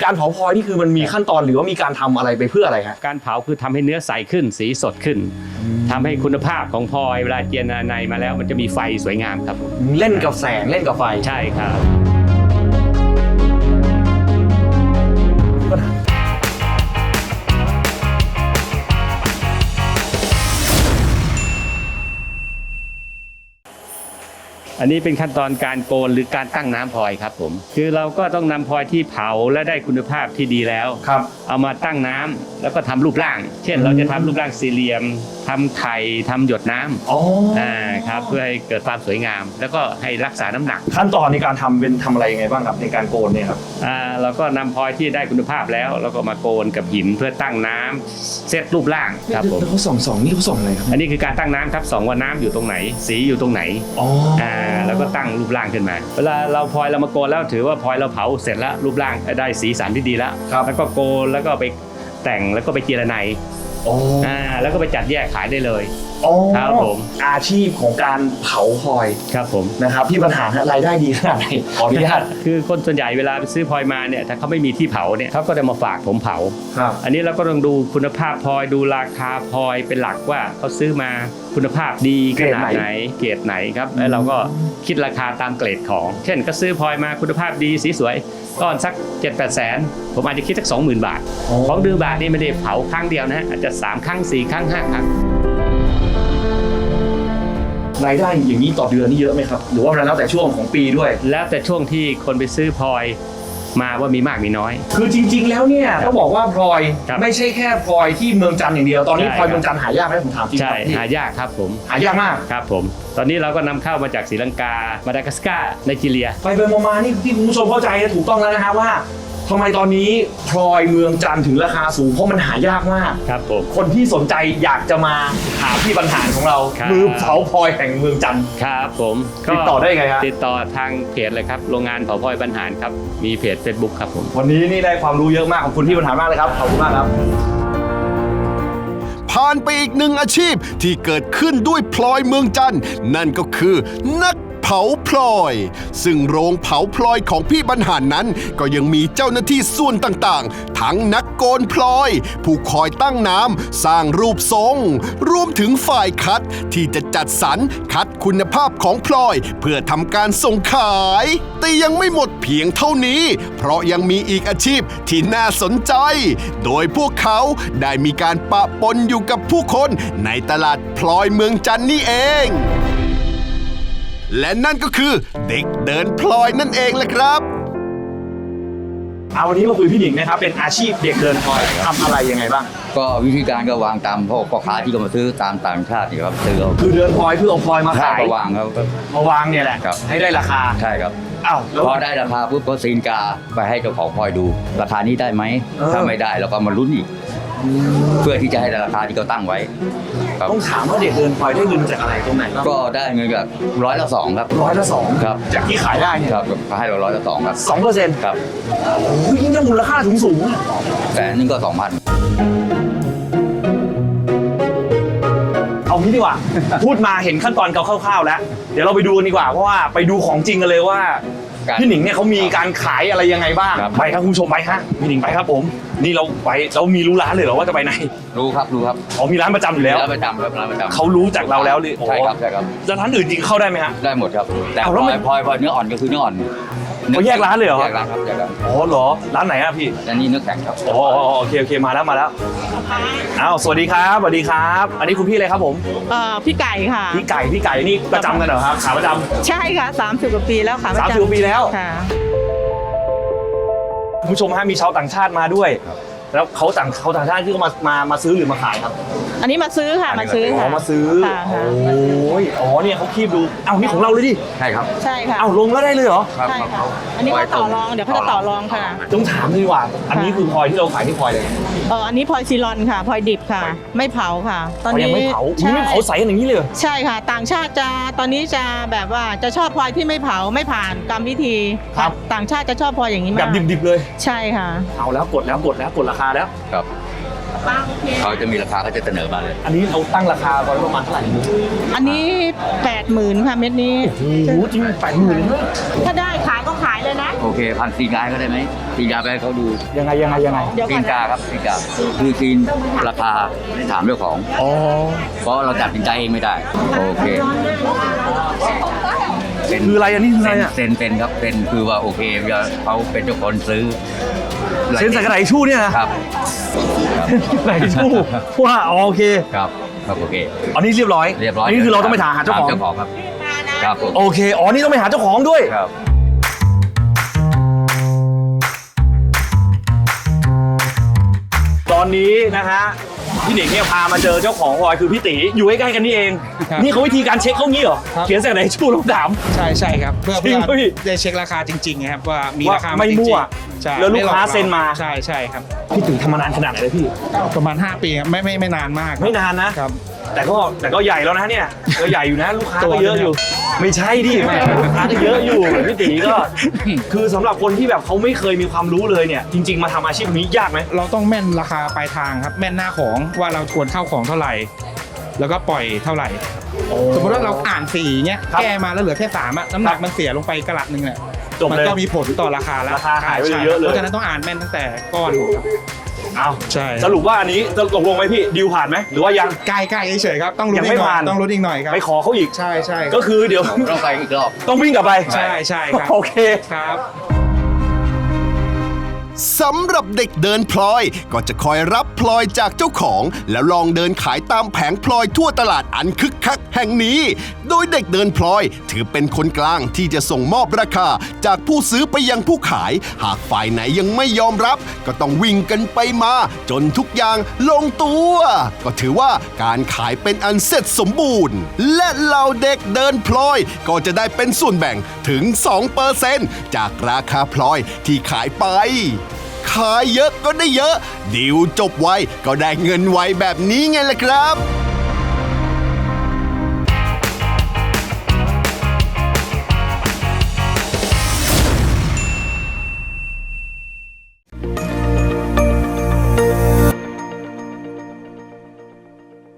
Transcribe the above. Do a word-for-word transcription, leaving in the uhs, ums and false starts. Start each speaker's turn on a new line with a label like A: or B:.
A: การเผาพลอยนี่คือมันมีขั้นตอนหรือว่ามีการทำอะไรไปเพื่ออะไรฮะ
B: การเผาคือทำให้เนื้อใสขึ้นสีสดขึ้นทำให้คุณภาพของพลอยเวลาเจียนในมาแล้วมันจะมีไฟสวยงามครับ
A: เล่นกับแสงเล่นกับไฟ
B: ใช่ครับอันนี้เป็นขั้นตอนการโกนหรือการตั้งน้ำพลอยครับผมคือเราก็ต้องนำพลอยที่เผาและได้คุณภาพที่ดีแล้ว
A: ครับ
B: เอามาตั้งน้ำแล้วก็ทำรูปร่างเช่นเราจะทำรูปร่างสี่เหลี่ยมทำไข่ทำหยดน้ำ
A: อ๋อ
B: อ่าครับเพื่อให้เกิดความสวยงามแล้วก็ให้รักษาน้ำหนัก
A: ขั้นตอนในการทำเป็นทำอะไรยังไงบ้างครับในการโกนเนี่ยครับ
B: อ่าเราก็นำพลอยที่ได้คุณภาพแล้วเราก็มาโกนกับหินเพื่อตั้งน้ำเซตรูปร่างครับผม
A: เขาส่องส่องนี่เขาส่องอะไรครับ
B: อันนี้คือการตั้งน้ำครับส่องว่าน้ำอยู่ตรงไหนสีอยู่ตรงไหน
A: อ๋อ
B: อ่าแล้วก็ตั้งรูปร่างขึ้นมาเวลาเราพลอยเรามาโกนแล้วถือว่าพลอยเราเผาเสร็จแล้วรูปร่างได้สีสันที่ดีแล้วแล้วก็โกนแล้วก็ไปแต่งแล้วก็ไปเจรไนอ่าแล้วก็ไปจัดแยกขายได้เลยครับผม
A: อาชีพของการเผาพลอย
B: ครับผม
A: นะครับพี่บรรหารรายได้ดีขนาดไหนขออนุญาต
B: คือคนส่วนใหญ่เวลาไปซื้อพลอยมาเนี่ยถ้าเขาไม่มีที่เผาเนี่ยเขาก็จะมาฝากผมเผา
A: ครับ
B: อันนี้เราก็ต้องดูคุณภาพพลอยดูราคาพลอยเป็นหลักว่าเขาซื้อมาคุณภาพดีขนาดไหนเกรดไหนครับแล้วเราก็คิดราคาตามเกรดของเช่นก็ซื้อพลอยมาคุณภาพดีสีสวยก้อนสัก เจ็ดแปด แสนผมอาจจะคิดสัก สองหมื่น บาทของดื้อบาทนี่ไม่ได้เผาครั้งเดียวนะอาจจะสามครั้งสี่ครั้งห้าครั้ง
A: รายได้อย่างนี้ต่อเดือนนี่เยอะไหมครับหรือว่าแล้วแต่ช่วงของปีด้วย
B: แล้วแต่ช่วงที่คนไปซื้อพลอยมาว่ามีมากมีน้อย
A: คือจริงๆแล้วเนี่ยต้องบอกว่าพลอยไม่ใช่แค่พลอยที่เมืองจันทร์อย่างเดียวตอนนี้พลอยเมืองจันทร์หายากไหมผมถามจริง
B: ใช่หายากครับผม
A: หายากมาก
B: ครับผมตอนนี้เราก็นำเข้ามาจากศรีลังกามาดากัสการ์ไนจีเรีย
A: ไปไปมาๆนี่ที่คุณผู้ชมเข้าใจถูกต้องแล้วนะฮะว่าทำไมตอนนี้พลอยเมืองจันทร์ถึงราคาสูงเพราะมันหายากมาก
B: ครับผม
A: คนที่สนใจอยากจะมาหาพี่บรรหารของเรามือเผาพลอยแห่งเมืองจันทร์
B: ครับผม
A: ติดต่อได้ไงครับ
B: ติดต่อทางเพจเลยครับโรงงานเผาพลอยบรรหารครับมีเพจ เฟซบุ๊ก ครับผม
A: วันนี้นี่ได้ความรู้เยอะมากขอบคุณพี่บรรหารมากเลยครับขอบคุณมากครับ
C: ผ่านไปอีกหนึ่งอาชีพที่เกิดขึ้นด้วยพลอยเมืองจันทร์นั่นก็คือนักเผาพลอยซึ่งโรงเผาพลอยของพี่บรรหารนั้นก็ยังมีเจ้าหน้าที่ส่วนต่างๆทั้งนักโกนพลอยผู้คอยตั้งน้ำสร้างรูปทรงรวมถึงฝ่ายคัดที่จะจัดสรรคัดคุณภาพของพลอยเพื่อทำการส่งขายแต่ยังไม่หมดเพียงเท่านี้เพราะยังมีอีกอาชีพที่น่าสนใจโดยพวกเขาได้มีการปะปนอยู่กับผู้คนในตลาดพลอยเมืองจันทร์นี่เองและนั่นก็คือเด็กเดินพลอยนั่นเองแหละครับ
A: เอาวันนี้มาคุยพี่หนิงนะครับเป็นอาชีพเด็กเดินพลอยทำอะไรยังไงบ้าง
D: ก็วิธีการก็วางตามพวกพ่อค้าที่เขามาซื้อตามต่างชาตินี่ครับซื้อเอา
A: คือเดินพลอยเพื่อเอาพลอยมาขาย
D: มาวางครับ
A: มาวางเนี่ยแหละให้ได้ราคา
D: ใช่ครับ
A: อ้าว
D: พอได้ราคาปุ๊บก็ซีนกาไปให้เจ้าของพลอยดูราคานี้ได้ไหมถ้าไม่ได้เราก็มาลุ้นอีกเพื่อที่จะให้ราคาที่เขาตั้งไว้
A: ต้องถามว่าเด็กเดินพลอยได้เงินจากอะไรตรงไหน
D: ก็ได้เงินจากร้อยละสองครับ
A: ร้อยละสอง
D: ครับ
A: จากที่ขายได้
D: ครับก็ให้เราร้อยละสองครับ
A: สองเปอร์เซ็นต์
D: ครับ
A: โอ้ยยิ่งได้มูลค่าสูงสูง
D: แสนนึงก็สองพัน
A: เอางี้ดีกว่า พูดมาเห็นขั้นตอนคร่าวๆแล้วเดี๋ยวเราไปดูกันดีกว่าเพราะว่าไปดูของจริงกันเลยว่าพี่หนิงเนี่ยเขามีการขายอะไรยังไงบ้างไปครับคุณผู้ชมไปฮะพี่หนิงไปครับผมนี่เราไปเรามีรู้ร้านเลยเหรอว่าจะไปไหน
D: รู้ครับรู้ครับ
A: อ๋อมีร้านประจำอยู่แล้ว
D: ร้านประจำครับร้านประจำ
A: เขารู้จากเราแล้วเลย
D: ใช่ครับใช่ครับ
A: แล้วร้านอื่นจริงเข้าได้ไหมฮะ
D: ได้หมดครับแต่พลอยพลอยพลอยเนื้ออ่อนก็คือเนื้ออ่อน
A: เขาแยกร้านเลยเหรอ
D: แยกร้านครับแยกร้าน
A: อ๋อเหรอร้านไหนอะพี่
D: อันนี้เนื้อแข็งครับ
A: อ๋อโอเคโอเคมาแล้วมาแล้วอ้าวสวัสดีครับสวัสดีครับอันนี้คุณพี่อะไรครับผม
E: เอ่อพี่ไก่ค่ะ
A: พี่ไก่พี่ไก่นี่ประจำกันเหรอครับขาประจำ
E: ใช่ค่ะสามสิบกว่าปีแล้วค่ะ
A: สามสิบกว่าปีแล้ว
E: ค่ะ
A: คุณผู้ชมฮะมีชาวต่างชาติมาด้วยแล้วเขาต่างเขาต่างชาติที่เขามามามาซื้อหรือมาขายครับ
E: อันนี้มาซื้อค่ะมาซื้อค่ะ
A: มาซื้อโอ้ยอ๋อเนี่ยเขาคีบดูเอ้านี่ของเราเลยดิ
D: ใช่ครับ
E: ใช่ค่ะ
A: เอ้าลงแล้วได้เลยเหรอ
E: ใช่ค่ะอันนี้เขาต่อรองเดี๋ยวเขาจะต่อรองค่ะ
A: ต้องถามดีกว่าอันนี้คือพลอยที่เราขายที่พลอยเลย
E: เอออันนี้พลอยซีรอนค่ะพลอยดิบค่ะไม่เผาค่ะ
A: ตอนนี้ยังไม่เผาไม่เผาใสอย่างนี้เลย
E: ใช่ค่ะต่างชาติจะตอนนี้จะแบบว่าจะชอบพลอยที่ไม่เผาไม่ผ่านกรรมวิธีครับต่างชาติจะชอบพลอยอย่างนี้มาก
A: แบบดิบๆเลย
E: ใช่ค่ะ
A: เอาแล้วกดแล้วกดแล้วกดราคาแล้ว
D: ครับเขาจะมีราคาเขาจะเสนอมาเลย
A: อันนี้เราตั้งราคาไว้ประมาณเท่าไหร่
E: อันนี้แปดหมื่นค่ะเม็ดนี้
A: โอ้โหจริงแปดหมื่นเลย
E: ถ้าได้ขายก็ขายเลยนะ
D: โอเคพันซีนกาก็ได้ไหมซีนกาไปให้เขาดู
A: ยังไงยังไงยังไง
E: เดี๋ยว
D: ซี
E: ก่อน
D: น
E: นะ
D: กาครับซีนกาคือซีนราคาถามเจ้าของ
A: อ๋อ
D: เพราะเราตัดสินใจเองไม่ได้ โอเคเป็น
A: คืออะไรอันนี้คืออะไรอ่ะ
D: เซ็นเซ็นครับเซ็นคือว่าโอเคเขาเป็นเจ้าของซื้อ
A: เซ็นใส่กระดาษทิชชู่เนี่ยนะครับ กระดาษทิชชู่ว่าอ๋อโอเค
D: ครับครับโอเค
A: อันนี้เรียบร้อย
D: เรียบร้อย
A: นนี้คือเราต้องไปถามหาเจ้าของ
D: ถมเจ้าของครับครับผม
A: โอเคอ๋อนี่ต้องไปหาเจ้าของด้วย
D: ครับ
A: ตอนนี้นะฮะพี่หนิงเนี่ยพามาเจอเจ้าของพลอยคือพี่ตีอยู่ใกล้ๆกันนี่เอง
F: ครับ
A: นี่เขาวิธีการเช็คเขางี้เหรอ
F: ครับ
A: เขียนใส่กระดาษทิชชู่ลงถาม
F: ใช่ใช่ครับเพื่อ
A: จริ
F: เพื่
A: ง
F: อ
A: พี่
F: ได้เช็คราคาจริงๆครับว่ามี
A: ว่า
F: ราคา
A: ไม่
F: จริงๆ
A: มั่ว
F: ใช่
A: แล้วลูกค้า
F: ไหอ
A: เซ็นมา
F: ใช่ใช่ครับ
A: พี่ตีทำมานานขนาดไหนเลยพี่
F: ประมาณ ห้า ปีครับไม่ไม่ไม่นานมากครับ
A: ไม่นานนะ
F: ครับ
A: แต่ก็แต่ก็ใหญ่แล้วนะเนี่ยก็ใหญ่อยู่นะลูกค้า
F: ตั
A: ก็
F: ว
A: เยอะอยู่ ไม่ใช่ดิแม่ลูกค้าก็เยอะอยู่พี่ตีก็ คือสำหรับคนที่แบบเขาไม่เคยมีความรู้เลยเนี่ย จริง ๆ มาทำอาชีพนี้ยากไหม
F: เราต้องแม่นราคาปลายทางครับแม่นหน้าของว่าเราควรเข้าของเท่าไหร่ แล้วก็ปล่อยเท่าไหร่ สมมติว่าเราอ่านสี่เนี้ย
A: ครับ
F: แก้มาแล้วเหลือแค่สามอะน้ำหนั
A: ค
F: ก
A: รับ
F: มันเสียลงไปกระลัดหนึ่งเนี่ย
A: จบ
F: มั
A: เลย
F: ก็มีผลต่อราคาแล้ว
A: ราคาหายไป
F: ใช่
A: เยอะเลย
F: เพราะฉะนั้นต้องอ่านแม่นตั้งแต่ก้อนครับ
A: เอา
F: ใช่
A: สรุปว่าอันนี้จะตกลงไหมพี่ดิวผ่านไหมหรือว่ายัง
F: ใกล้ๆเฉยๆครับต้องลุ้
A: ยั
F: น
A: ง
F: อี
A: ไม่
F: กหน่อ
A: ผ่าย น
F: ต้องลุ้นอีกหน่อยครับ
A: ไปขอเขาอีก
F: ใช่ใช่
A: ก็คือเดี๋ยว
D: ต้องไปอีกรอบ
A: ต้องวิ่งกลับไป
F: ใช่ใช่ครับ
A: โอเค
F: ครับ
C: สำหรับเด็กเดินพลอยก็จะคอยรับพลอยจากเจ้าของ แล้วลองเดินขายตามแผงพลอยทั่วตลาดอันคึกคักแห่งนี้ โดยเด็กเดินพลอยถือเป็นคนกลางที่จะส่งมอบราคาจากผู้ซื้อไปยังผู้ขาย หากฝ่ายไหนยังไม่ยอมรับ ก็ต้องวิ่งกันไปมา จนทุกอย่างลงตัว ก็ถือว่าการขายเป็นอันเสร็จสมบูรณ์ และเหล่าเด็กเดินพลอยก็จะได้เป็นส่วนแบ่งถึง สองเปอร์เซ็นต์ จากราคาพลอยที่ขายไป ขายเยอะก็ได้เยอะ ดิวจบไวก็ได้เงินไวแบบนี้ไงล่ะครับ